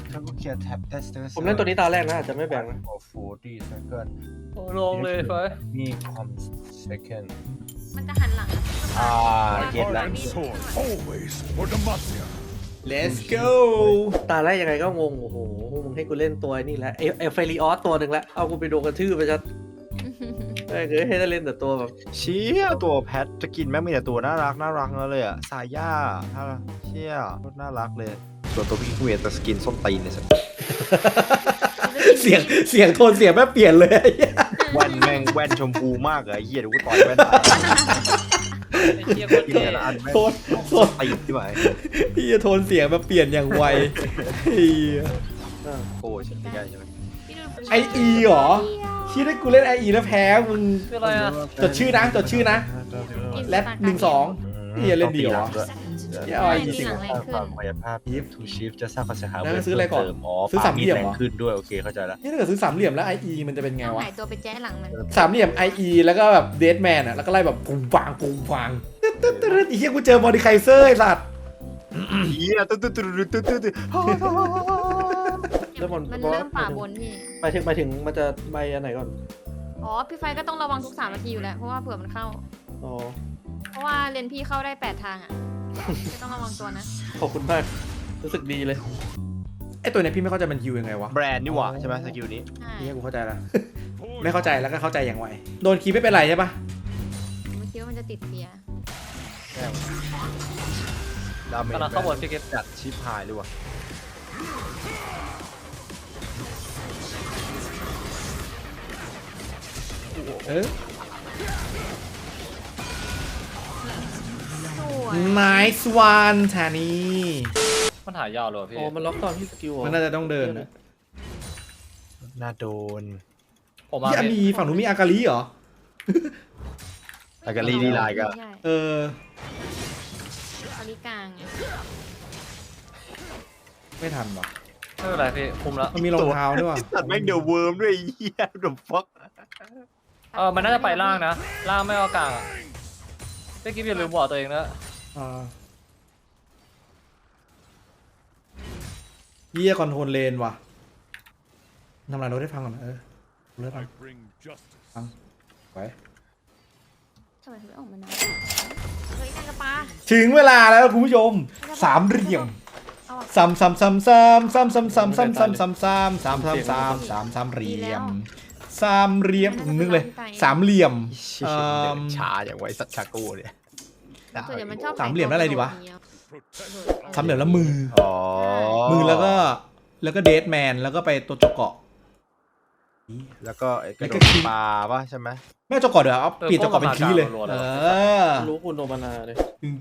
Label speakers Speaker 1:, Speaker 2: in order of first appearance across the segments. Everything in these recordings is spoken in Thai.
Speaker 1: ถ้ากูเคลียร์แท็บ tester
Speaker 2: ผมเล่นตัวนี้ตาแรกนะอาจจะไม่แบ่งนะ
Speaker 1: 40 second
Speaker 3: โอ้ลงเลยไฟ
Speaker 1: มี com second
Speaker 4: มันจะหันหลัง
Speaker 1: เก็ตละ
Speaker 5: Always for Demacia.
Speaker 6: Let's go
Speaker 2: ตาแรกยังไงก็งงโอ้โหมึงให้กูเล่นตัวนี่แหละเอลเฟริออสตัวหนึ่งแล้วเอากูไปโดนกระทืบไปชัดให้ได้เล่นแต่ตัวแบบ
Speaker 1: เชี่ยตัวแพทจะกินแม่งมีแต่ตัวน่ารักเลยอ่ะสายย่าเชี่ยน่ารักเลยส่วนตัวพี่กูเห็นแต่สกินส้มตีนเนี่ยสิ
Speaker 6: เสียงโทนเสียงแม่เปลี่ยนเลย
Speaker 1: แว่นแม่งแว่นชมพูมากเลยไอ้เหี้ยเดี๋ยวกูต่อยแว่นตาย
Speaker 3: ไอ้เหี้ยโคตร
Speaker 1: กิน
Speaker 3: เท่
Speaker 1: แต่ละอันแม่ง
Speaker 6: โทน
Speaker 1: ส้มตีนที่ไหน
Speaker 6: พี่จะโทนเสียงมาเปลี่ยนอย่างไวเฮีย
Speaker 1: โอ้ฉันไม่ได้ใช่ไหม
Speaker 6: ไออีเหรอคิดว่ากูเล่นไออีแล้วแพ้มึง
Speaker 3: คืออะไรอ่ะ
Speaker 6: จดชื่อนะแรด12พี่จะเล่นดีเหรออย่าเอาไออีสิ
Speaker 4: หลังแรงขึ้น
Speaker 1: ความพยาภาพ If to shift จะสร้างความเสียหาย
Speaker 6: แล้วซื้ออะไรก่อน ซื้
Speaker 1: ซื้
Speaker 6: อสามเหลี่ยมเหรอ
Speaker 1: ขึ้นด้วยโอเคเข้าใจแล้ว
Speaker 6: นี่ถ้าเกิดซื้อสามเหลี่ยมแล้วไออีมันจะเป็นไง
Speaker 4: ต้อง
Speaker 6: วะ
Speaker 4: หายตัวไปแจ้หลังมัน
Speaker 6: สามเหลี่ยมไออีแล้วก็แบบเดดแมนอ่ะแล้วก็ไล่แบบปุ้งปังอีเหี้ยกูเจอมอดิไคเซอร์ไอสัตว์
Speaker 1: เหี้ยตึ๊ด
Speaker 2: แล้วมัน
Speaker 4: มันเริ่มป่าบนพี่
Speaker 2: หมายถึงมันจะใบอันไหนก่อน
Speaker 4: อ๋อพี่ไฟก็ต้องระวังทุก3 นาทีอยู่แล้วเพราะว่าเผื่อมันเข้า
Speaker 2: อ๋อ
Speaker 4: เพราะว่าเลนพี่เข้าได้8 ทางอ่ะก็ต้องระวังตัวนะ
Speaker 2: ขอบคุณมากรู้สึกดีเลย
Speaker 6: ไอตัวเนี้ยพี่ไม่เข้าใจมันฮิวยังไงวะ
Speaker 1: แบรนด์นี่หว่าใช่ไหมสกิลนี้
Speaker 4: ใช่
Speaker 6: นี่กูเข้าใจแล้ว ไม่เข้าใจแล้วก็เข้าใจอย่างไวโดนคีย์ไม่เป็นไรใช่ปะ
Speaker 4: ผมคิดว่ามันจะติดเฟียร์
Speaker 1: ดาเมจ
Speaker 3: กำลังเข้าบนพี่เก็ต
Speaker 1: จัดชิปหายเลยว่ะ
Speaker 6: เออ
Speaker 4: สวย
Speaker 6: nice one ทานี่
Speaker 3: มันหายาวเลยพี่
Speaker 2: อ๋อมันล็อกตอนที่สกิลเหรอ
Speaker 6: มันน่าจะต้องเดินนะ
Speaker 1: น่าโดน
Speaker 3: ผมมา
Speaker 6: ที่มีฝั่งนู้นมีอากาลีเหรอ
Speaker 1: อากาลีดีไลน์ก็
Speaker 4: ใช่
Speaker 6: เออ
Speaker 4: อาริกลางไง
Speaker 6: ไม่ทันหรอ
Speaker 3: ไม่เป็นไรพี่คุมแล้ว
Speaker 6: มันมีรองเท้าด้วยว่ะ
Speaker 1: ตัดแม่งเดอะเวิร์มด้วยไอ้เหี้ยเดอะฟ็อก
Speaker 3: มันน่าจะไปล่างนะล่างไม่เอากลางอ่ะพี่กิ๊ฟอย่าลืมบอกตัวเองนะ
Speaker 6: อ่าเยี่ยคอนโทรลเลนว่ะทำลายรถให้พังก่อนนะเลิกก่อน
Speaker 5: I bring justice.
Speaker 6: ไว้
Speaker 4: ทำไมถึงไม่ออกมานานเฮ้ยนางกระปา
Speaker 6: ถึงเวลาแล้วคุณผู้ชมสามเหลี่ยม
Speaker 4: เอาอะ
Speaker 6: ซ้ำเหลี่ยมสามเหลี่ยมนึกเลยสามเหลี่ยม
Speaker 1: ช้าอย่างไวสัตว์ชาโก้เนี่ย
Speaker 4: ส่วนใหญ่มันชอบ
Speaker 6: สามเหลี่ยมแล้วอะไรดีวะ
Speaker 5: Protect.
Speaker 6: สามเหลี่ยมแล้วมือ
Speaker 1: อ๋อ
Speaker 6: มือแล้วก็เดทแมนแล้วก็ไปตัวจกเกาะ
Speaker 1: แล้วก็ไอ้กระโดดปลาป่ะใช่ไหม
Speaker 6: ไม่จกเกาะเดี๋ยวเอาเปลี่ยนจกเกาะเป็นคีย์เลย
Speaker 2: รู้คุณโดมานาเลย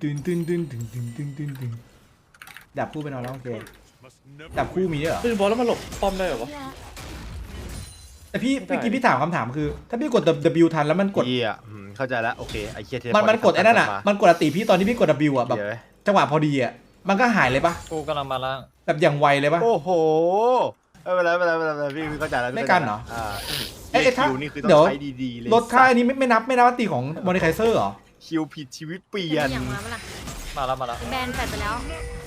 Speaker 6: ตึงดับคู่ไปนอนแล้วโอเค
Speaker 5: Must never
Speaker 6: ดับคู่มีด้วยเหรอ
Speaker 2: คือบอลแล้วมันหลบป้อมได้เหรอวะ
Speaker 6: แต่พี่เมื่อกี้พี่ถามคำถามคือ ถ้าพี่กด W ทันแล้วมันกด
Speaker 1: เหี้ยเข้าใจแล้วโอเคไอ้เหี้ยเทป
Speaker 6: มันกดไอ้นั่นอ่ะมันกดอติพี่ตอนที่พี่กด W อ่ะแบบ
Speaker 1: เดี๋ยว
Speaker 6: จังหวะพอดีอ่ะมันก็หายเลยปะ
Speaker 3: กูกำลังมาล่าง
Speaker 6: แบบอย่างไวเลยปะ
Speaker 1: โอ้โหไม่เป็นไรพี่เข้าใจแล้ว
Speaker 6: ไม่กันเหรอ
Speaker 1: เอ้ย
Speaker 6: ถ้า
Speaker 1: คิวนี่คือต้อ
Speaker 6: เดี๋ยว
Speaker 1: งใช้ดีๆเลย
Speaker 6: รถค่ายนี้ไม่นับว่าตีของมอนิไคเซอร์เหรอ
Speaker 1: คิวผิดชีวิตเปลี่
Speaker 4: เปลี่
Speaker 1: ย
Speaker 4: ย
Speaker 1: น
Speaker 4: นอย่างมาเปะล่า
Speaker 3: มาแล้ว
Speaker 4: แบนแฟดไปแล้ว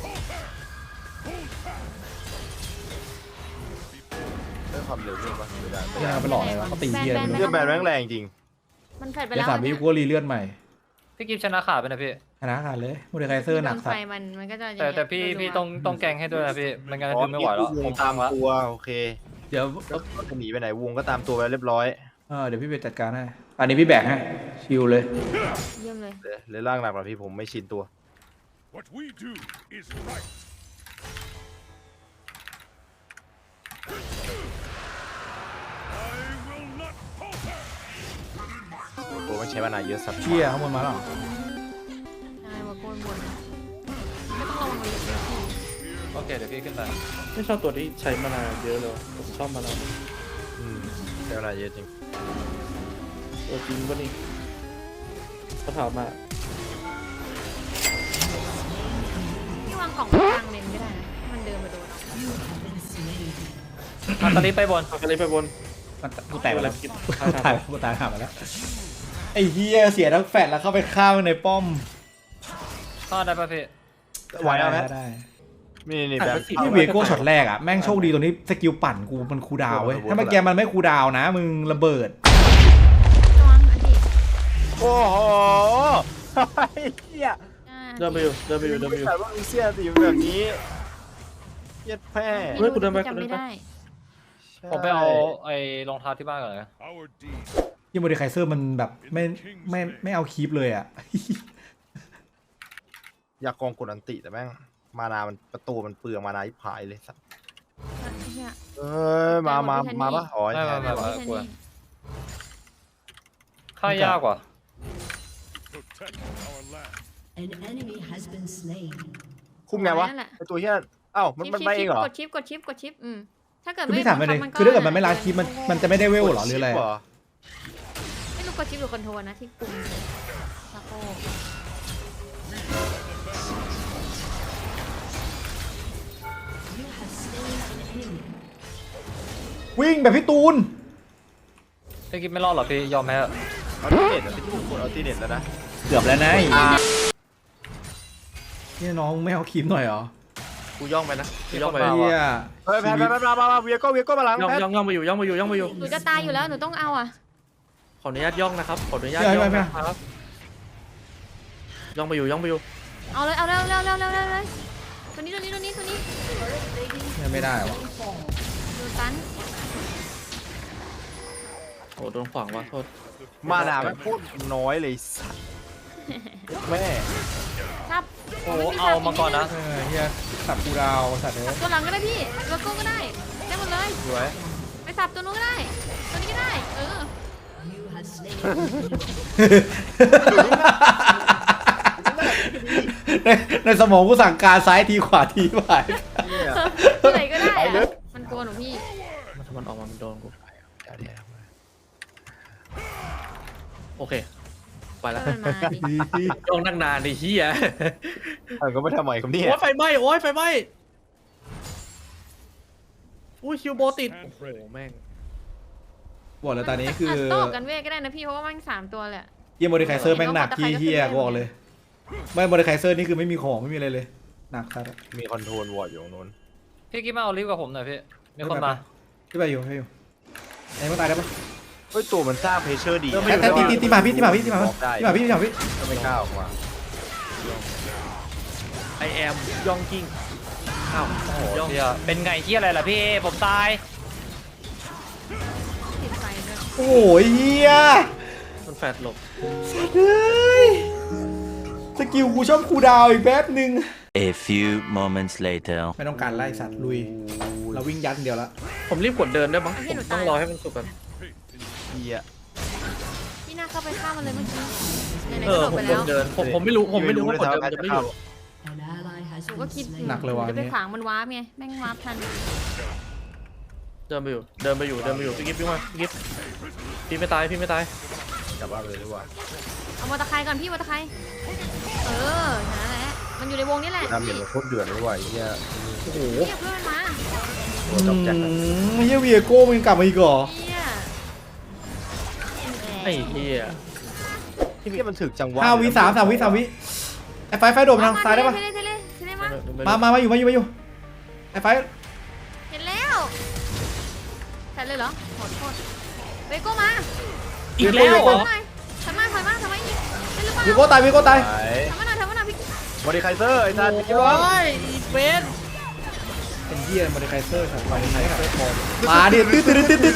Speaker 1: เรื่องความเร็วเรื่องปะไม่ได้
Speaker 6: ไม่ได้ไปหลอกเลยวะเขาตีเฮีย
Speaker 1: เรื่องแบนแม่งแรงจริง
Speaker 4: มันแฟดไป
Speaker 6: เดี๋ย
Speaker 4: แล้ว
Speaker 6: ว3 วิกูก็รีเลือดใหม่
Speaker 3: พี่กิ๊ฟชนะขาดไปนะพี่
Speaker 6: ชนะขาดเลยมอนิไคเซอร์หนัก
Speaker 4: ไฟ
Speaker 6: สัตว์
Speaker 4: มันก็จะ
Speaker 3: แต่พี่ต้องแกงให้ด้วยนะพี่ไม่งั้นคือไม่ไหวแล้วผม
Speaker 1: ตา
Speaker 3: ตาม มละ
Speaker 1: ตัวโอเค
Speaker 6: เดี๋ยว
Speaker 1: ก็จะหนีไปไหนวงก็ตามตัวไปเรียบร้อย
Speaker 6: เดี๋ยวพี่ไปจัดการให้อันนี้พี่แบกให้ชิวเลย
Speaker 4: เยี่ยมเลย
Speaker 1: เลยร่างหนักกว่าพี่ผมไม่ชินตัว
Speaker 5: What we do is right. I will not falter.
Speaker 1: ผมไม่ใช้มานานเยอะสัก
Speaker 6: เชี่ยข้างบนมาหรอ
Speaker 4: ใช่ว่าโกนบนไม่ต้องระวังเลยพี่
Speaker 3: โอเคเดี๋ยวพี่ขึ้นไป
Speaker 2: ไม่ชอบตัวที่ใช้มานานเยอะเลยผมชอบมานาน
Speaker 1: ใช้มานานเยอะจริง
Speaker 2: ตัวจริงปะนี่เขาถามมา
Speaker 4: พี่วางกล่องกลางเลนไม่ได้นะให้มันเดินมาโดนเอา
Speaker 3: ตอนนี้ไปบน
Speaker 2: เอาไปเลยไปบน
Speaker 6: กูแตกไปแล้วกูตายหามาแล้วไอ้เฮียเสียทั้งแฟดแล้วเข้าไปข้าวในป้อม
Speaker 3: เข้าได้ป่ะพี่
Speaker 1: ไหวแล้วไหม
Speaker 6: ได้
Speaker 1: นี่
Speaker 2: อ่ะ
Speaker 1: แบบ
Speaker 2: มันสิ
Speaker 6: ที่เวโก้ช็อตแรกอ่ะแม่งโชคดีตรงนี้สกิลปั่นกูมันคูลดาวน์เว้ยถ้าเมื่อกี้มันไม่คูลดาวน์นะมึงระเบิด
Speaker 4: ระวังอันนี้
Speaker 1: โอ้โหไอ้เหี้ย
Speaker 2: เดินไปอยู่เดินไปอยู่เดินไปอยู่
Speaker 1: แต่ว่าเสียสิแบบนี้เย็ดแพ้
Speaker 2: เฮ้ยกูเดินไป
Speaker 4: จำไม่ได้
Speaker 3: ผมไปเอาไอ้รองเท้าที่บ้านก่อนเลย
Speaker 5: Our deeds
Speaker 6: ยี่โมเดลไคเซอร์มันแบบไม่เอาคีปเลยอ่ะ
Speaker 1: อยากกองกดอันติแต่แม่งมานามันประตูมันเปลืองมานาที่พายเลยสัตว์
Speaker 4: เนี่ย
Speaker 1: มาปะอ๋อ
Speaker 3: ไม่
Speaker 1: แทน
Speaker 3: ไม่
Speaker 4: ไม่ใช่นี่
Speaker 3: ค่ายากกว่า
Speaker 5: protect our land.
Speaker 7: An enemy has been slain.
Speaker 1: คุมไงวะ
Speaker 4: นั่นแหละ
Speaker 1: ไอตัวเหี้ยอ้าวมันไปเองเหรอ
Speaker 4: กดชิปกดชิปถ้าเกิด
Speaker 6: คือ
Speaker 4: ไม่
Speaker 6: พี่ถามไปเลย
Speaker 4: บังบ
Speaker 6: คือถ้าเกิดมันไม่ล้างคีปมันจะไม่ได้เวลหรอหรืออะไร
Speaker 1: ชิปเห
Speaker 4: ไม่รู้กดชิปหรือคอนโทรลนะที่ปุ่มตะโก้
Speaker 7: You have slain an enemy.
Speaker 6: วิ่งแบบพี่ตูน
Speaker 3: พี่กิ๊บไม่รอดหรอพี่ยอมแพ้
Speaker 1: เอาที่เน็ตอะที่กูกดเอาที่เน็ตแล้วนะ
Speaker 6: เกือบแล้วนะนี่น้องไม่เอาคีปหน่อยเหรอ
Speaker 2: กูย่องไปนะกูย่องไป
Speaker 6: เฮีย
Speaker 1: เฮ้ยแพทมาเวียโก้มาหลัง
Speaker 2: ย่อง
Speaker 1: แพท
Speaker 2: ย่องไปอยู่ย่องไปอยู่ย่องไปอยู่
Speaker 4: หนูจะตายอยู่แล้วหนูต้องเอาอ่ะ
Speaker 2: ขออนุญาตย่องนะครับขออนุญาตย่องนะครับย่องไปอยู่ย่องไปอยู่
Speaker 4: เอาเลยตัวนี้
Speaker 6: ไม่ได้วะ
Speaker 4: ดูตัน
Speaker 2: โอ้โดนขวางว่ะโทษ
Speaker 1: มานามันโคตรน้อยเลยสัตว์แม่
Speaker 4: ซับ
Speaker 3: โอ้เอามาก่อนนะ
Speaker 6: เฮียสับกูดาวสัตว์เลย
Speaker 4: ตัวหลังก็ได้พี่ตัวโก้ก็ได้ได้หมดเลย
Speaker 3: สวย
Speaker 4: ไปสับตัวนู้นก็ได้ตัวนี้ก็ได้
Speaker 7: You have slain an enemy.
Speaker 6: ในสมองกูสั่งการซ้ายทีขวาทีไป
Speaker 1: เนี่ย
Speaker 4: ที่ไหนก็ได้อะมันกลัวหนูพี่
Speaker 2: ถ้ามันออกมามันโดนกูโอเคไปแล้ว
Speaker 4: มันมาดิ
Speaker 2: ย่องนั่งนานดิเฮีย
Speaker 1: ก็ไม่ทำไมครับเนี่ย
Speaker 2: โอ้ยไฟไหม้โอ้ยไฟไหม้อุ้ยคิวโบติดโอ้โหแม่ง
Speaker 6: บอกเลยตอนนี้คือ
Speaker 4: โต้กันเวทก็ได้นะพี่เพราะว่ามัน3ตัวเลย
Speaker 6: เฮียโมเดลไคเซอร์แม่งหนักขี้เฮียกูบอกเลยไม่โมเดลไคเซอร์นี่คือไม่มีของไม่มีอะไรเลยหนักครับ
Speaker 1: มีคอนโทรลวอร์ดอยู่ตรงนู้น
Speaker 3: พี่กิ๊บมาเอาลิฟต์กับผมหน่อยพี่มีคนมา
Speaker 6: พี่ไปอยู่ไอ้มันตายได้ปะ
Speaker 1: เฮ้ยตัวมันสร้างเพชเชอร์ดี
Speaker 6: แต่ตีมาพี่
Speaker 1: ได้
Speaker 6: พี่ก็
Speaker 1: ไม่กล้าออกมา
Speaker 2: ไอแอมย่องกิ้งอ้าว
Speaker 3: โอ้โห
Speaker 2: ย่อง
Speaker 3: เฮียเป็นไงเฮียอะไรล่ะพี่ผมตาย
Speaker 4: ติดไฟด้วย
Speaker 6: โอ้ยเฮีย
Speaker 2: มันแฟดหลบ
Speaker 6: เฮ้ยสกิลกูชอบคูดาวอีกแป๊บนึง
Speaker 8: A few moments later.
Speaker 6: ไม่ต้องการไล่สัตว์ลุยเราวิ่งยัดเดียวละ
Speaker 2: ผมรีบกดเดินได้มั้งผมต้องรอให้มันสุกก่อน
Speaker 1: เฮีย
Speaker 4: พี่น่าเข้าไปฆ่ามันเลยเมื่อกี้ไหน
Speaker 2: เอ
Speaker 4: ๆก็
Speaker 2: อ
Speaker 4: โดด
Speaker 2: ผ
Speaker 4: ไป
Speaker 2: ม
Speaker 4: แล้ว
Speaker 2: เดินผมไม่รู้ว่ากดเดินมันจะไม่อยู่
Speaker 7: An ally has
Speaker 4: หนู
Speaker 7: been
Speaker 4: ก็คิด
Speaker 7: slain.
Speaker 6: หนักเลยว่ะ
Speaker 4: จะไป
Speaker 6: เนี่ย
Speaker 4: ขวางมันวาร์ปไงแม่งวาร์ปทัน
Speaker 2: เดินไปอยู่พี่กิ๊บพี่มาพี่กิ๊บพี่ไม่ตายพี่ไม่ตาย
Speaker 1: จับว่าเลยดีกว่า
Speaker 4: เอามอเตอร์ไซค์ก่อนพี่มอเตอร์ไซค์นั่นแหละมันอยู่ในวงนี้แหละ
Speaker 1: ดาเมจมันโคตรเดือดเลยว่ะเฮีย
Speaker 2: โอ้โห
Speaker 4: เรียกเพื่อนมา
Speaker 1: ตัวจับแจ็ค
Speaker 6: เฮียเวียโก้มันกลับมาอีกเหรอ
Speaker 4: เฮีย
Speaker 2: ไอ้เหี้ย
Speaker 1: ที่มันถึกจังหวะ
Speaker 6: 5 วิ 3 วิไอ้ไฟโดดมาทางซ้ายได้ปะ
Speaker 4: เทเลมา
Speaker 6: มาอยู่ไอ้ไฟ
Speaker 4: เห็นแล้วใส่เลยเหรอขอโทษเวโก้มา
Speaker 2: อีกแล้วเหรอ
Speaker 4: ถอยมาอีกได้หรือเปล่า
Speaker 6: วีโก้ตาย
Speaker 1: ไหน
Speaker 4: ถอยมาหน่อยพี่
Speaker 1: บอดี้ไคเซอร์ไอ้สัตว์
Speaker 2: โอ้
Speaker 1: คิดว่า
Speaker 2: ยอีเฟน
Speaker 6: เป็นเฮียโมเดลไคเซอร์ครับมาดิตื้อ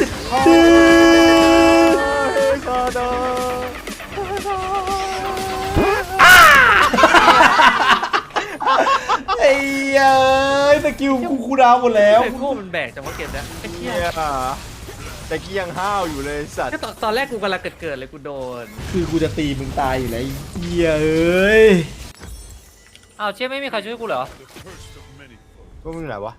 Speaker 6: ไอ้เอ้ยสกิลกูคูดาวหมดแล้ว
Speaker 2: ไอ้พวกมันแบกจังว่าเก็บนะไอ้เหี้
Speaker 1: เฮี
Speaker 2: ย
Speaker 1: ยแต่กี้ยังห้าวอยู่เลยสัตว์
Speaker 2: ก็ตอนแรกกูกำลังเกิดเลยกูโดน
Speaker 6: คือกูจะตีมึงตายอยู่แล้วเฮียเอ้ย
Speaker 3: อ้าวเชี่ยไม่มีใครช่วยกูเหรอ
Speaker 5: the first of many foes.
Speaker 1: ก็มึงไหนวะ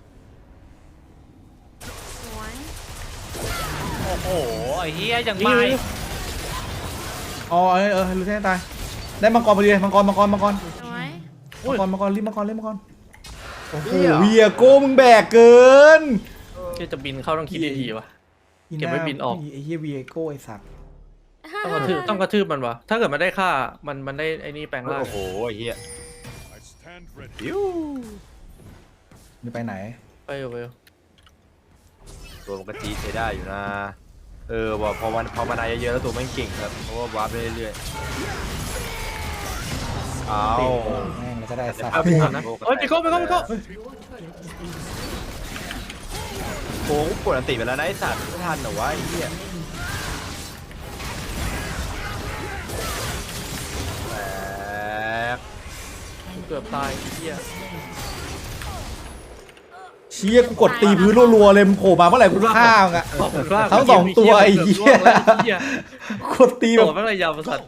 Speaker 4: สวย
Speaker 3: โอ้โหไอ้เฮียอย่างไม่
Speaker 6: อ๋อลูเซนตายได้มังกรพอดีมังกร
Speaker 4: สวย
Speaker 6: รีบมังกรโอ้โหเวียโก้มึงแบกเกิน
Speaker 2: ที่จะบินเข้าต้องคิดดีๆวะ เก็บไว้บินออก
Speaker 6: ไอ้เฮียเวียโก้ไอ้สัตว์
Speaker 2: ต้องกระทืบมันวะถ้าเกิดมันได้ค่ามันได้ไอ้นี่แปลงร่าง
Speaker 1: โอ้โหไอ้เฮีย
Speaker 5: I stand ready.
Speaker 1: อิ้ว
Speaker 6: มึงไปไหน
Speaker 2: ไปอยู่ไปอยู่
Speaker 1: ตัวมันก็จี๊ดใช้ได้อยู่นะว่าพอมานายเยอะๆแล้วตัวมันเก่งครับเพราะว่าวาร์ปได้เรื่อยๆเอา
Speaker 6: แม่งแล้วก็ได้สัตว์
Speaker 2: เอาไปก่อนนะเฮ้ยไปโก้ไปโก้ไปโก้
Speaker 1: โค้งปวดอันติไปแล้วนะไอ้สัตว์ไม่ทันเหรอวะไอ้เหี้ยแตก
Speaker 2: เกือบตายไอ้เหี้ย
Speaker 6: เชี่ยกูกดตีพื้นรัวๆเลยมึงโผล่มาเมื่อไหร่กูฆ่ามึงอะ
Speaker 2: ขอบคุณมาก
Speaker 6: ทั้งสองตัวไอ้เหี้ย กดตี
Speaker 2: โด
Speaker 6: แบบ
Speaker 2: ดไม่เลยยาวประสัตว์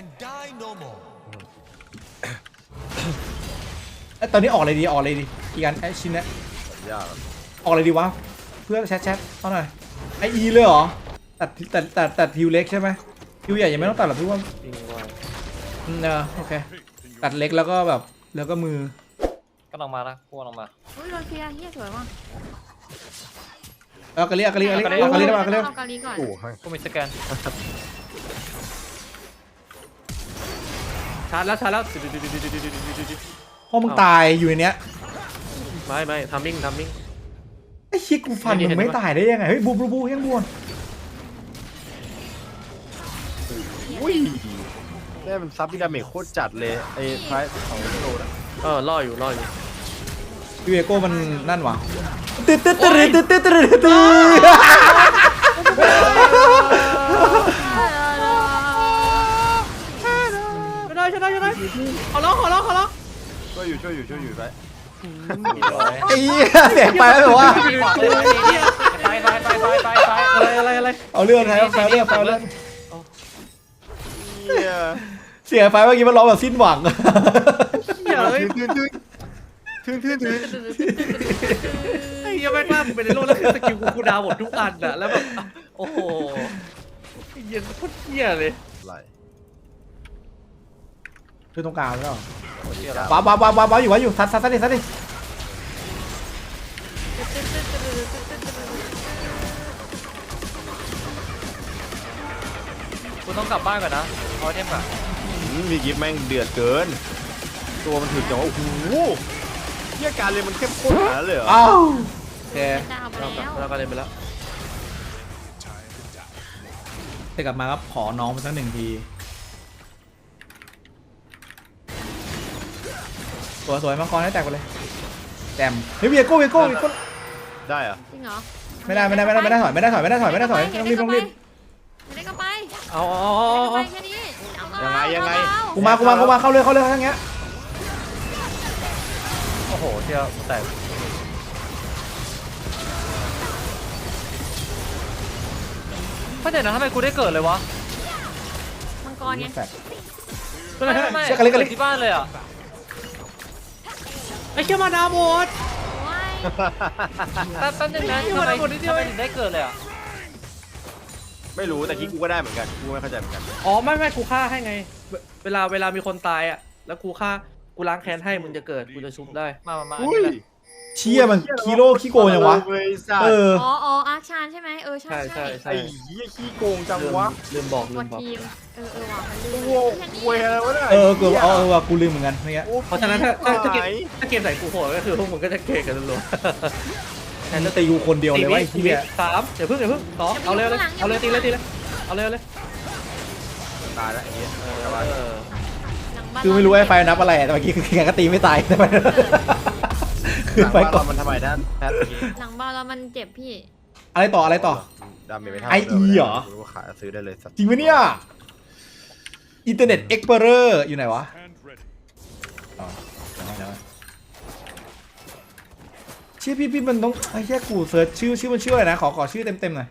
Speaker 6: ตอนนี้ออกอะไรดีอีกอันไอ้ชิ้นเนี้ย
Speaker 1: ยาก
Speaker 6: ออกอะไรดีวะเพื่อนแชทเอาหน่อยไออีเลยเหรอตัดทิวเล็กใช่ไหมทิวใหญ่ยังไม่ต้องตัดหรอกพี่ว่า
Speaker 2: จริงว่ะ
Speaker 6: โอเคตัดเล็กแล้วก็แบบแล้วก็มือ
Speaker 3: ก็ลองมาละพวกลองมา
Speaker 4: อุ้ยโดนเคลียร์เฮียสวยว่ะ
Speaker 6: เอากะลิได้ป่ะกะลิ
Speaker 4: เอากาลีก่อน
Speaker 1: โอ้ย
Speaker 3: กูมีสแกน
Speaker 2: ชาร์จแล้ว
Speaker 6: พ่อมึงตายอยู่ในเนี้ย
Speaker 2: ไม่ทัมมิ่ง
Speaker 6: ไอ้ชิคกูฟันมึงไม่ตายได้ยังไงเฮ้ยบูยังบวน
Speaker 1: อุ้ยได้มันซับที่ดาเมจโคตรจัดเลยไอ้ไพรส์ของโลนะ
Speaker 2: ล่ออยู่
Speaker 6: ยูเอโก้มันนั่นวะตึ๊ด
Speaker 2: ชนะขอร้อง
Speaker 1: ช่วยอยู่ไป
Speaker 6: ไอ้เหี้ยเสียงไปแล้วแบบว่า
Speaker 3: ไป
Speaker 2: อะไร
Speaker 6: เอาเรื่องไงเอาเรื่อง
Speaker 1: เหี้ย
Speaker 6: เสียงไปเมื่อกี้มันร้องแบบสิ้นหวัง
Speaker 2: เหี้ยเลย
Speaker 1: ทึ่ง
Speaker 2: ไอ้เหี้ยแม่งมากเป็นในโลกแล้วคือสกิลกูดาวหมดทุกอันอะแล้วแบบโอ้โหไอ้เหี้ยโคตรเหี้ยเลย
Speaker 1: ไหล
Speaker 6: คือตรงกลางใช่ไหม
Speaker 1: เหี้ย
Speaker 6: ว้าวอยู่ซัดดิ
Speaker 3: กูต้องกลับบ้านก่อนนะเอาเทมก่อน
Speaker 1: มีกิฟแม่งเดือดเกิน ตัวมันถึงจังว่าโอ้โหเหี้ยการเลยมันเข้มข้นขนาดนั้นเลยเหรอ
Speaker 6: อ้าวโอเค
Speaker 4: ดาวไปแล้ว
Speaker 2: แล้วก็เลยไปแล้ว
Speaker 6: แต่กลับมาครับขอน้องมาสักหนึ่งทีสวยมังกรให้แตกไปเลยแจมเฮ้ยเวียโก้
Speaker 1: ได้เหรอะ
Speaker 4: จริงเหรอ
Speaker 6: ไม่ได้ถอยต้องรีบ
Speaker 4: ไม่ได้ก็ไป
Speaker 2: เอา
Speaker 4: ไปแค่นี้
Speaker 6: กูมาเข้าเลยทั้งเงี้ย
Speaker 3: โอ้โหเที่ยวแตกไม่เดี๋ยวนะทำไมกูได้เกิดเลยวะ
Speaker 4: มังกรไง
Speaker 6: แตก
Speaker 3: ไม่
Speaker 6: เชี่ยกะลิ
Speaker 3: เกิดที่บ้านเลยอ่ะ
Speaker 2: ไอ้เชี่ยมาดาวหมด
Speaker 4: โอ้ย
Speaker 3: แป๊บนึงนะทำไมถึงได้เกิดเลยอ่ะ
Speaker 1: ไม่รู้แต่คิดกูก็ได้เหมือนกันกูไม่เข้าใจเหมือนกัน
Speaker 2: อ๋อไม่กูฆ่าให้ไง เวลามีคนตายอ่ะแล้วกูล้างแค้นให้มึงจะเกิดกูจะชุบได้
Speaker 3: มา
Speaker 1: อุ้ย
Speaker 6: เชี่ยมันคีโร่ขี้โกงยังวะ
Speaker 1: เลยสัต
Speaker 6: เอ
Speaker 1: ว์
Speaker 6: อ
Speaker 4: อ๋ออาร์ชานใช่ไหมใช่
Speaker 1: ไอ้เหี้ยขี้โกงจังวะ
Speaker 2: ลืมบอก
Speaker 4: กดทีมว่ะมันลืม
Speaker 1: โว้เวยอะไรวะเนี่ย
Speaker 6: กูว่ะกูลืมเหมือนกันเมื่อกี้
Speaker 2: เพราะฉะนั้นถ้าเกมใส่กูโหดก็คือพวกมึงก็จะเก่งกันรัว
Speaker 6: แทนจะตีกูคนเดียวเลยว่าไอ้
Speaker 2: ที
Speaker 6: เหี้ย
Speaker 2: สามเดี๋ยวพึ่งสองเอาเลยตีเลยเอาเลย
Speaker 1: ตายแล้วไอ้เหี้ย
Speaker 6: คือไม่รู้ไอ้ไฟนับอะไรแต่เมื่อกี้คือแกก็ตีไม่ตายแต่มันคือไฟก่อน
Speaker 1: มันทำไมนะแพท
Speaker 4: หลังบ้านแล้วมันเจ็บพี่
Speaker 6: อะไรต่อ
Speaker 1: ดาเมจไม่เท่า
Speaker 6: ไอ้อีเหรอ
Speaker 1: รู้ว่าขายซื้อได้เลยสัตว์
Speaker 6: จริงปะเนี่ยอินเทอร์เน็ตเอ็กเพลอร์อยู่ไหนวะ
Speaker 5: And ready.
Speaker 6: อ๋อชื่อพี่มันต้องไอ้แค่กูเซิร์ชชื่อมันชื่ออะไรนะขอชื่อเต็มหน่อย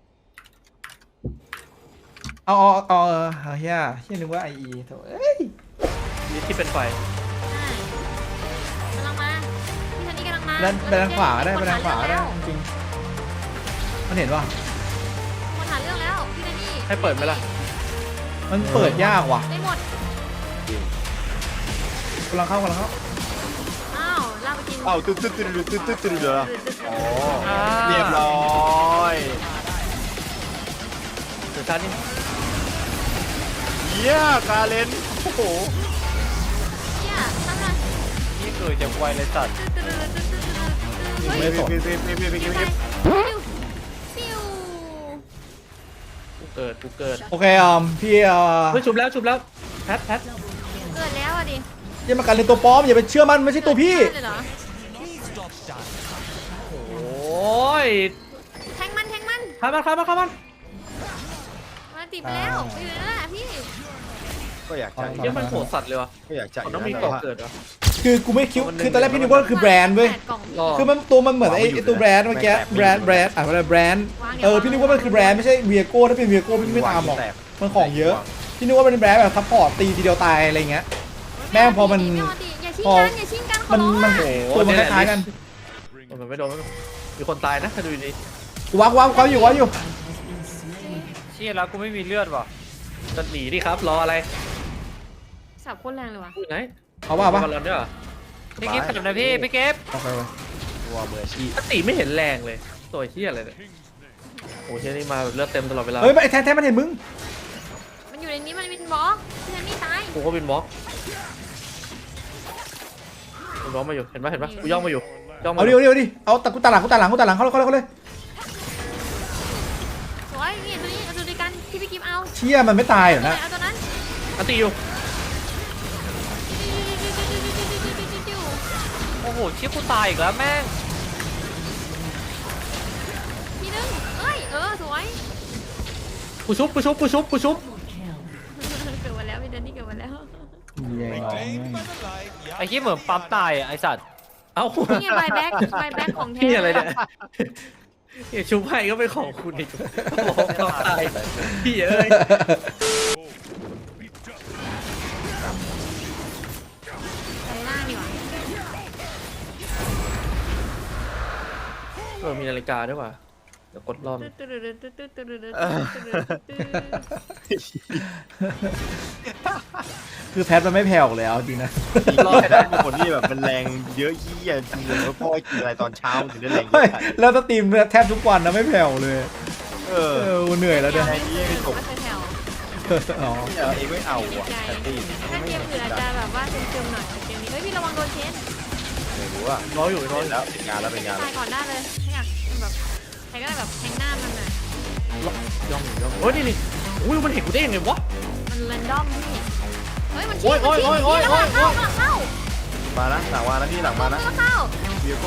Speaker 6: เอาเฮียนึกว่าไออีโถ่เอ้ย
Speaker 2: นี่ที่เป็นไฟ
Speaker 4: กำลังมาพี่ทันนี่กำลังมา
Speaker 6: ไปทางขวาก็ได้จริงๆมันเห็นป่ะ
Speaker 4: คนหาเรื่องแล้วพี่ทันนี่
Speaker 2: ให้เปิดไหมล่ะ
Speaker 6: มันเปิดยากว่ะ
Speaker 4: ไม่หมด
Speaker 6: กำลังเข้า
Speaker 4: อ้าวลากไปกิน
Speaker 1: เอ้าตึ๊ดเหรออ๋อ
Speaker 3: อ่า
Speaker 1: เรียบร้อย
Speaker 2: เดี๋ยวชาร์จนี่
Speaker 1: เหี้ยกาเลนโอ้โห
Speaker 4: เนี่ยทำไม
Speaker 3: นี่เกิดจากไวเลยสัตว์
Speaker 6: ไม่สน
Speaker 4: ปิ้วปิ้ว
Speaker 2: กูเกิด
Speaker 6: โอเคพี่
Speaker 2: เฮ้ยชุบแล้วแพท
Speaker 4: เกิดแล้วอ่ะดิ
Speaker 6: อย่ามากันในตัวปลอมอย่าไปเชื่อมันไม่ใช่ตัวพี่
Speaker 4: เลยเหรอ
Speaker 2: โอ้ย
Speaker 4: แทงมัน
Speaker 2: ข้ามมัน
Speaker 4: มันติดไปแล้วอยู่นั่นแหละพี่
Speaker 1: ก็อยากจะ
Speaker 6: เอา
Speaker 2: เดี๋ยวมันโหดสัตว์เลยวะ
Speaker 1: ก็อยากจะ
Speaker 2: มันต้องมีเกาะเกิดเหรอ
Speaker 6: คือกูไม่คิดคือตอนแรกพี่นึกว่าคือแบรนด์เว้ย
Speaker 4: 8 กล่อง
Speaker 2: รอ
Speaker 6: คือมันตัวมันเหมือนไอ้ตัวแบรนด์เมื่อกี้แบรนด์อะไรแบรนด์พี่นึกว่ามันคือแบรนด์ไม่ใช่เวียโก้ถ้าเป็นเวียโก้พี่ไม่ตามหรอกมันของเยอะพี่นึกว่ามันเป็นแบรนด์แบบซัพพอร์ตตีทีเดียวตายอะไรเงี้ย แม่งพอมัน
Speaker 4: อย่าชิง
Speaker 6: พอ
Speaker 4: กันอย่าชิงกันขอ
Speaker 6: มัน
Speaker 4: ร้อง
Speaker 6: มัน
Speaker 4: อะ
Speaker 6: ตัวมันคล้ายๆกัน
Speaker 2: มันไม่โดนมีคนตายนะถ้าดูดี
Speaker 6: กูวักอยู่
Speaker 3: เชี่ยแล้วกูไม่มีเลือดว่ะ
Speaker 2: จะหนีดิครับรออะไร
Speaker 4: สับโคตรแรงเลยว่ะ
Speaker 2: อยู่ไหน
Speaker 6: เอาว่าปะ
Speaker 2: บอลลอนด้วยเหรอ
Speaker 3: พี่กิฟต์จับนะพี่กิฟต์
Speaker 6: โอเค
Speaker 1: ตัวมืออาชีพ
Speaker 2: ตีไม่เห็นแรงเลยตัวเฮียอะไรเนี่ยโอ้เฮียนี่มาแบบเลือดเต็มตลอดเวลา
Speaker 6: เฮ้ยไอ้แทนมันเห็นมึง
Speaker 4: มันอยู่ในนี้มันเป็นบล็อกพี่แทนนี่ตาย
Speaker 2: กูก็เป็นบล็อกกูบล็อกมาอยู่เห็นปะกูย่องมาอยู่ย่องมา
Speaker 6: เอาดิเอาตะกูตาหลังเข้าเลย
Speaker 4: สวยนี่ตัวนี้เอาตัวนี้กันที่พี่กิฟเอา
Speaker 6: เชี่ยมันไม่ตายเหรอนะ
Speaker 4: เอาตัวนั้น
Speaker 2: อันตีอยู่
Speaker 3: โอ้โหเชี่ยกูตายอีกแล้วแม่ง
Speaker 4: ทีนึงเอ้ยสวย
Speaker 2: กูชุบ
Speaker 4: เกิดมาแล้วพี่แทนนี่เกิดมาแล้ว
Speaker 3: ไอ้เชี่ยเหมือนปั๊มตายอ่ะไอ้สัตว์
Speaker 2: เอ้า
Speaker 4: นี่ไงใบแบ็กของแท้
Speaker 2: พี่อะไรเนี่ยชุบให้ก็เป็นของคุณอีกบอกตายพี่เอ้ย
Speaker 4: ใส่ล่างดีกว่า
Speaker 2: มีนาฬิกาด้วยว่ะเดี๋ยวกดรอบ
Speaker 6: คือแพทมันไม่แผ่วเลยเอาจริงนะ
Speaker 1: รอบนั้นเป็นคนที่แบบมันแรงเยอะยี่ยจริงเลยว่าพ่อกินอะไรตอนเช้าถึงได้แรงเย
Speaker 6: เฮ้ย
Speaker 1: อะ
Speaker 6: แล้วสตรีมแทบทุกวันนะไม่แผ่วเลย
Speaker 1: เออ
Speaker 6: เหนื่อยแล้วเนี่ย
Speaker 4: ไม่เคยแถว
Speaker 6: อ๋อ
Speaker 1: เองไม่เอาอ่ะแต่ตี
Speaker 4: ถ้าเกมอื่นอาจจะแบบว่าเจิมๆหน่อยแต่เกมนี้เฮ้ยพี่ระวังโดนเชน
Speaker 1: ไม่รู้อ่ะ
Speaker 2: น้อยอยู่
Speaker 1: เป็นแล้วเป็นงานแล้วเป็นงาน
Speaker 4: ตายก่อนได้เลยถ้าอยากแบบใครก็ได้แบบแทงหน้ามันน่ะ
Speaker 2: ย่องโอ้ยนี่อุ้ยมันเห็นกูได้ยังไงวะ
Speaker 4: มันแรนดอมพี่เฮ้ยมัน
Speaker 2: โอ้ย
Speaker 4: เข้า
Speaker 1: มานะหลังมานะพี่หลังมานะ
Speaker 4: เข้า
Speaker 1: เวียโก้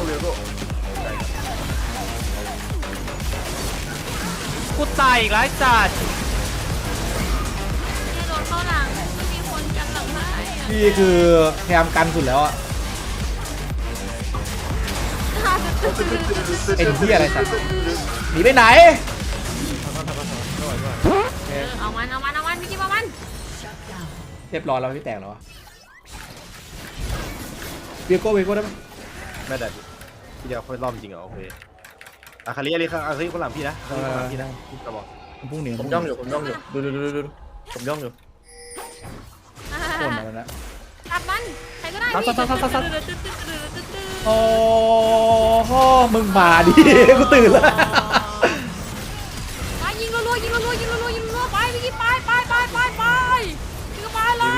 Speaker 3: กูตายอีกแล้วไอ้สัตว์
Speaker 4: เนี่ยโดนเข้าหลังไม่มีคนกันหลังให้
Speaker 6: พี่คือพยายามกันสุดแล้วอะไอ้ที่อะไรสัตว์หนีไปไหน
Speaker 4: เอามันพี่กิ๊บเอามัน
Speaker 6: เรียบร้อยแล้วพี่แตกแล้วอะเวียโก้ได้ไหม
Speaker 1: ไม่ได้พี่เดียวค่อยรอบจริงเหรอโอเคอาคาริคนหลังพี่นะอาคาริคนหลังพี่นะพี่กระบอก
Speaker 6: ผมพุ่งหนี
Speaker 2: ผมย่องอยู่ดูผมย่องอยู่
Speaker 6: คนอะไรนะ
Speaker 4: ตัดมันใครก็ได้
Speaker 6: โอ้โหมึงมาดิ กูตื่นแล้ว
Speaker 4: ไปยิงรัวไปพี่กิ๊บไปยิงไปเลยยิงไป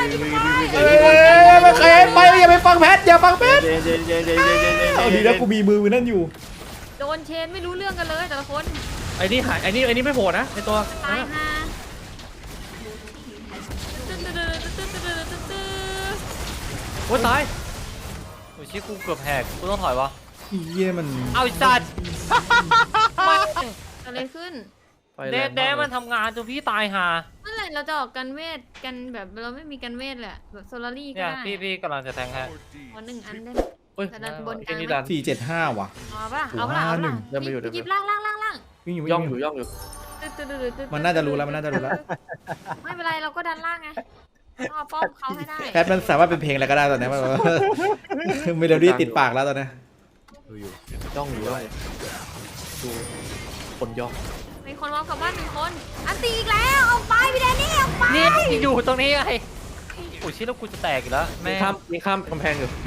Speaker 6: ไม่เคยไปอย่าไปฟังแพทอย่าฟังแพท
Speaker 1: เจ
Speaker 6: เอาดีนะกูมีมือนั่นอยู่
Speaker 4: โดนเชนไม่รู้เรื่องกันเลยแต่ละคน
Speaker 2: ไอ้นี่หายไอ้นี่ไม่โผล่นะไอ้ตัว
Speaker 4: ตายฮะ
Speaker 2: โอ้ตาย
Speaker 3: โอ้ยเชี่ยกูเกือบแหกกูต้องถอยวะ
Speaker 6: เยี่ยมัน
Speaker 3: เอาไอ้สัตว์
Speaker 4: อะไรขึ้น
Speaker 3: แดดมันทำงานจนพี่ตายห่า
Speaker 4: เมื่อไหร่เราจะออกกันเวทกันแบบเราไม่มีกันเวทแหละแบบโซลารี่ก็
Speaker 3: เนี่ย
Speaker 4: ได้
Speaker 3: พี่กำลังจะแทงให้
Speaker 4: วันหนึ่งอันได้
Speaker 2: โอ้ย
Speaker 4: แต่ดันบนก
Speaker 2: ไอ้
Speaker 4: ลาง
Speaker 2: นี่ดัน
Speaker 6: 475 ว่ะ
Speaker 4: เอาป่ะยิบล่าง
Speaker 6: วิ่งอยู่
Speaker 2: ย่องอยู่
Speaker 6: มันน่าจะรู้แล้ว
Speaker 4: ไม่เป็นไรเราก็ดันล่างไงเอาป้อมเขาให้ได้
Speaker 6: แพทมันสามารถเป็นเพลงอะไรก็ได้ตอนนี้มันเมโลดี้ติดปากแล้วตอนนี้
Speaker 2: ย่องอยู่ดูคนย่อง
Speaker 4: มีคนมองกลับบ้านหนึ่งคนอันตีอีกแล้วออกไปพี่แดนนี่ออกไป
Speaker 3: นี่อยู่ตรงนี้ไงโอ้ยเชี่ยแล้วกูจะแตกอีกแล้วแม่
Speaker 2: มีข้ามกำแพงอยู่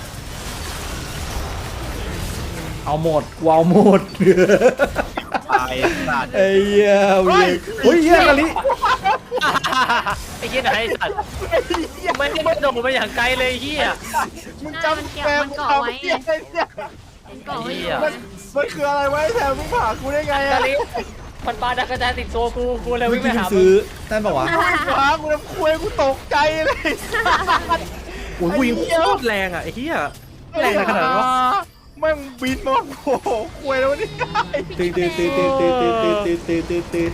Speaker 6: เอาหมดกูเอาหมด
Speaker 1: ตายสัตว์
Speaker 6: ไอ้เหี้ยเวียโอ้ยเหี้ยกะลิ
Speaker 3: ไอ้เหี้ยไหนไอ้สัตว์ไม่ได้โดดไปอย่างไกลเลยไอ้เหี้ย
Speaker 1: มึง
Speaker 4: มัน
Speaker 1: จำ
Speaker 4: เก็บ
Speaker 1: แฟ
Speaker 4: มันเกาะไว้ไง
Speaker 1: เนี่ย
Speaker 4: มันเกาะไว้อยู่
Speaker 1: มันคืออะไรไว้แถมมึงผ่ากูได้ไง
Speaker 3: กะ
Speaker 1: อะ
Speaker 3: ลิมันปาดักกระจายติดตัวกูเลย
Speaker 6: เมื่
Speaker 3: วิ่
Speaker 6: อง
Speaker 3: ไป
Speaker 6: กี้
Speaker 3: หามึง
Speaker 6: ซื้อนั่นปะวะ
Speaker 1: ผ่ากูน้ำคุยกูตกใจเลย
Speaker 2: โอ้ยกูยิงโคตรแรงอ่ะไอ้เหี้ยแรงขนาดนั้นวะ
Speaker 1: แม่งบินมาโอ้โหคุยแล้วนี่
Speaker 6: ตื่นตื่นตื่นตื่นตื่นตื่นตื่นตื่นตื่นตื่น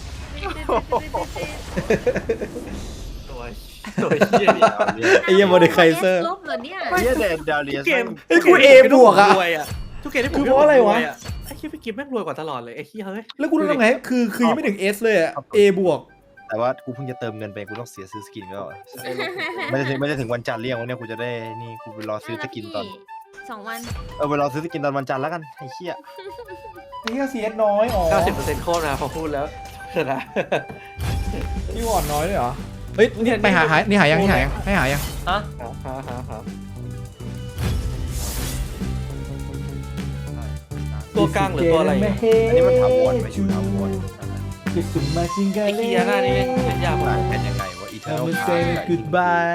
Speaker 2: ตัวเหี้ยเนี่ย
Speaker 6: ไอ้เหี้ยโมเดลไคเซอร์
Speaker 4: ลบเหรอเนี่ย
Speaker 1: เฮียเดนดาเลียส
Speaker 2: เกม
Speaker 6: ไอ้กู A บวกอะ
Speaker 2: รวยอะทุกเกมที่ผม
Speaker 6: คือเพราะอะไรวะ
Speaker 2: ไอ้เหี้ยพี่กิฟแม่งรวยกว่าตลอดเลยไอ้เหี้ยเฮ้ย
Speaker 6: แล้วกูต้องทำไงคือยังไม่ถึง S เลยอะ A บวก
Speaker 1: แต่ว่ากูเพิ่งจะเติมเงินไปกูต้องเสียซื้อสกินก็ไม่ได้ถึงวันจันทร์เรียกวันเนี้ยกูจะได้นี่กูไปรอซื้อสกินตอน
Speaker 4: 2 วัน
Speaker 1: ไปรอซื้อสกินตอนวันจันทร์แล้วกันไอ้เหี้ย
Speaker 6: ไอ้เหี้ย CS น้อยอ๋อ
Speaker 2: 90%โคตรนะพอพูดแล้วนะ
Speaker 6: นี่วอร์ดน้อยเลยเหรอเฮ้ยนี่ไปหานี่หายังให้หายัง
Speaker 3: ฮะ
Speaker 2: ตัวกลางหรือตัวอะไร
Speaker 1: อันนี้มันถามวนไปอยู่ถามวน
Speaker 6: คือสุดมาชิงกัน
Speaker 2: ไอ้เหี้ยหน้านี่เล่นยากมาก
Speaker 1: เป็นยังไงวะอีเทอร์
Speaker 6: I'm
Speaker 1: นอล
Speaker 6: gonna say goodbye